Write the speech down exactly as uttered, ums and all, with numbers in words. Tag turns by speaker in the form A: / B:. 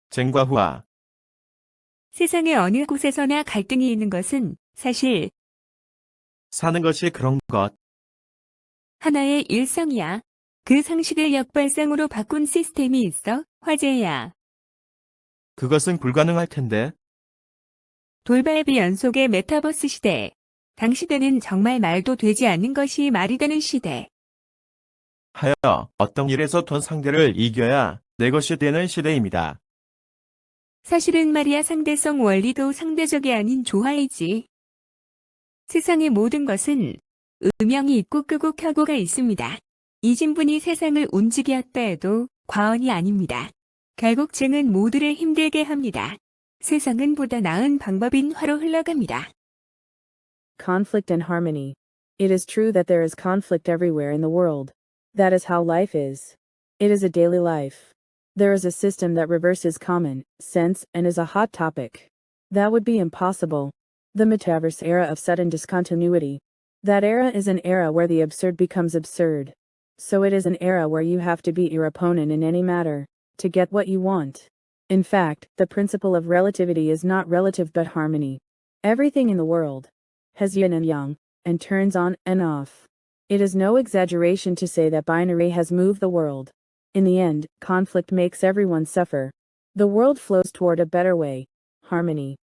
A: 쟁과 후와.
B: 세상의 어느 곳에서나 갈등이 있는 것은 사실
A: 사는 것이 그런 것.
B: 하나의 일성이야. 그 상식을 역발상으로 바꾼 시스템이 있어 화제야.
A: 그것은 불가능할 텐데.
B: 돌발비 연속의 메타버스 시대. 당시대는 정말 말도 되지 않는 것이 말이 되는 시대.
A: 하여 어떤 일에서 돈 상대를 이겨야 내 것이 되는 시대입니다.
B: 사실은 말이야 상대성 원리도 상대적이 아닌 조화이지. 세상의 모든 것은 음영이 있고 끄고 켜고가 있습니다. 이 진분이 세상을 움직였다 해도 과언이 아닙니다. 결국 증은 모두를 힘들게 합니다. 세상은 보다 나은 방법인 화로 흘러갑니다.
C: Conflict and harmony. It is true that there is conflict everywhere in the world. That is how life is. It is a daily life. There is a system that reverses common sense and is a hot topic. That would be impossible. The metaverse era of sudden discontinuity. That era is an era where the absurd becomes absurd. So it is an era where you have to beat your opponent in any matter to get what you want. In fact, the principle of relativity is not relative but harmony. Everything in the world has yin and yang, and turns on and off. It is no exaggeration to say that binary has moved the world. In the end, conflict makes everyone suffer. The world flows toward a better way, harmony.